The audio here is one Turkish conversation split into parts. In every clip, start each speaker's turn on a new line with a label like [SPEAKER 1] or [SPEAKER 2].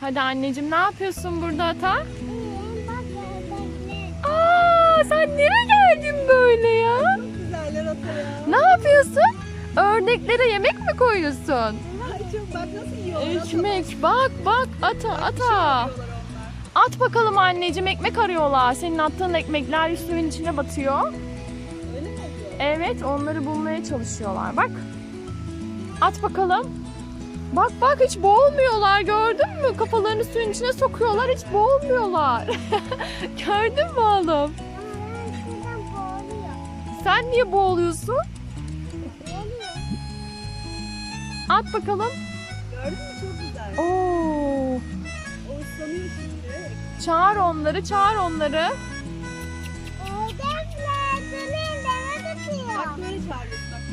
[SPEAKER 1] Hadi anneciğim, ne yapıyorsun burada ata?
[SPEAKER 2] İyiyim, bak ördekler.
[SPEAKER 1] Aa, sen nereye geldin böyle ya?
[SPEAKER 3] Çok güzeller ata ya.
[SPEAKER 1] Ne yapıyorsun? Ördeklere yemek mi koyuyorsun?
[SPEAKER 3] Ay çok bak nasıl yiyorlar.
[SPEAKER 1] Ekmek, bak bak ata ata.
[SPEAKER 3] Yiyorlar onlar.
[SPEAKER 1] At bakalım anneciğim, ekmek arıyorlar. Senin attığın ekmekler suyun içine batıyor.
[SPEAKER 3] Öyle mi oluyor?
[SPEAKER 1] Evet, onları bulmaya çalışıyorlar. Bak. At bakalım. Bak bak, hiç boğulmuyorlar, gördün mü? Kafalarını suyun içine sokuyorlar, hiç boğulmuyorlar. Gördün mü oğlum?
[SPEAKER 2] Ama ben şuradan boğuluyor.
[SPEAKER 1] Sen niye boğuluyorsun?
[SPEAKER 2] Boğuluyor.
[SPEAKER 1] At bakalım.
[SPEAKER 3] Gördün mü çok güzel.
[SPEAKER 1] Oo.
[SPEAKER 3] O ıslanıyor şimdi.
[SPEAKER 1] Çağır onları, çağır onları.
[SPEAKER 2] Ördekler, durun deme tutuyor.
[SPEAKER 3] Bak böyle çağırıyorsun bak.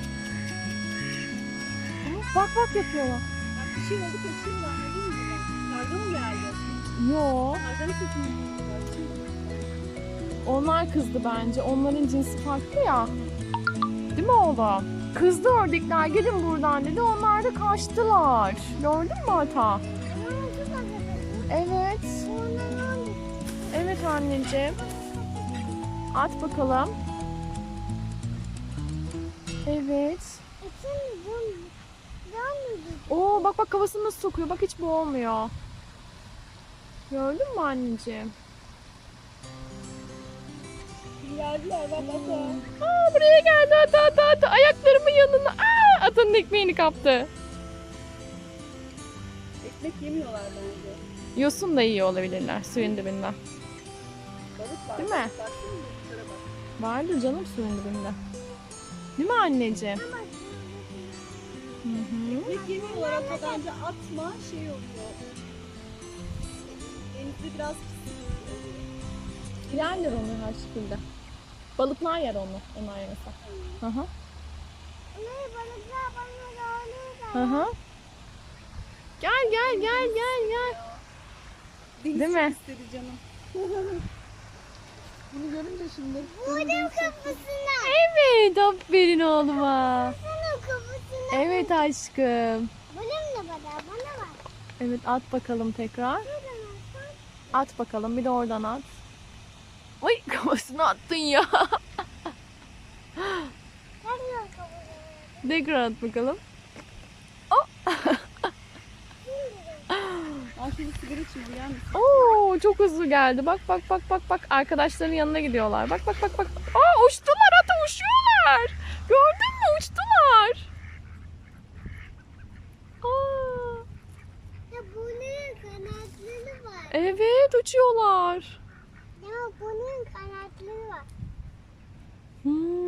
[SPEAKER 1] Bak bak yapıyorlar.
[SPEAKER 3] Bak bir şey oldu kaçıyorlar anladın mı? Karga mı geldi?
[SPEAKER 1] Yo,
[SPEAKER 3] Karganın sesini duyuyorlar.
[SPEAKER 1] onlar kızdı bence. Onların cinsi farklı ya. Değil mi oğlum? Kızdı ördekler, gidin buradan dedi. Onlar da kaçtılar. Gördün mü ata?
[SPEAKER 2] Ama şu bakıyorsun.
[SPEAKER 1] Evet.
[SPEAKER 2] Onun
[SPEAKER 1] Evet anneciğim. At bakalım. Evet.
[SPEAKER 2] için dön.
[SPEAKER 1] Oo, bak bak, kafasını nasıl sokuyor. Bak, hiç boğulmuyor. Gördün mü anneciğim?
[SPEAKER 3] Geldiler bak ata.
[SPEAKER 1] Aa, buraya geldi ata ata ata. Ayaklarımın yanına. Aa, atanın ekmeğini kaptı.
[SPEAKER 3] Ekmek yemiyorlar bence.
[SPEAKER 1] Yosun da yiyor olabilirler suyun dibinden.
[SPEAKER 3] Balık var.
[SPEAKER 1] Değil mi?
[SPEAKER 3] Baksana balıklara bak.
[SPEAKER 1] Vardır canım suyun dibinde. Değil mi anneciğim? Hı hı.
[SPEAKER 3] Ekmek yemiyorlar ata bence atma şey oluyor. Denizde biraz pis oluyor.
[SPEAKER 1] Yerler onu her şekilde. Balıklar yer onu. Onlar yemese. Hı hı.
[SPEAKER 2] Ne balıklar bana
[SPEAKER 1] Hı
[SPEAKER 2] doğru.
[SPEAKER 1] hı. Gel gel gel gel gel.
[SPEAKER 3] Deniz
[SPEAKER 1] Değil
[SPEAKER 3] çok
[SPEAKER 1] mi?
[SPEAKER 3] istedi canım. Bunu görünce şimdi.
[SPEAKER 2] Bunun kafasına.
[SPEAKER 1] Evet, aferin oğluma.
[SPEAKER 2] Bunun kafasına.
[SPEAKER 1] Evet aşkım.
[SPEAKER 2] Bunun da bana var.
[SPEAKER 1] Evet, at bakalım tekrar. At bakalım, bir de oradan at. Ay, kafasına attın ya.
[SPEAKER 2] Bunun kafasına.
[SPEAKER 1] Tekrar at bakalım.
[SPEAKER 3] Al şimdi sigara içme uyan mısın?
[SPEAKER 1] Oo, çok hızlı geldi. Bak bak bak bak bak. Arkadaşların yanına gidiyorlar. Bak bak bak bak. Aa, uçtular, ata uçuyorlar. Gördün mü? Uçtular. Aa,
[SPEAKER 2] Ya bunun kanatları var.
[SPEAKER 1] evet, uçuyorlar.
[SPEAKER 2] Ya bunun kanatları var.
[SPEAKER 1] Hmm.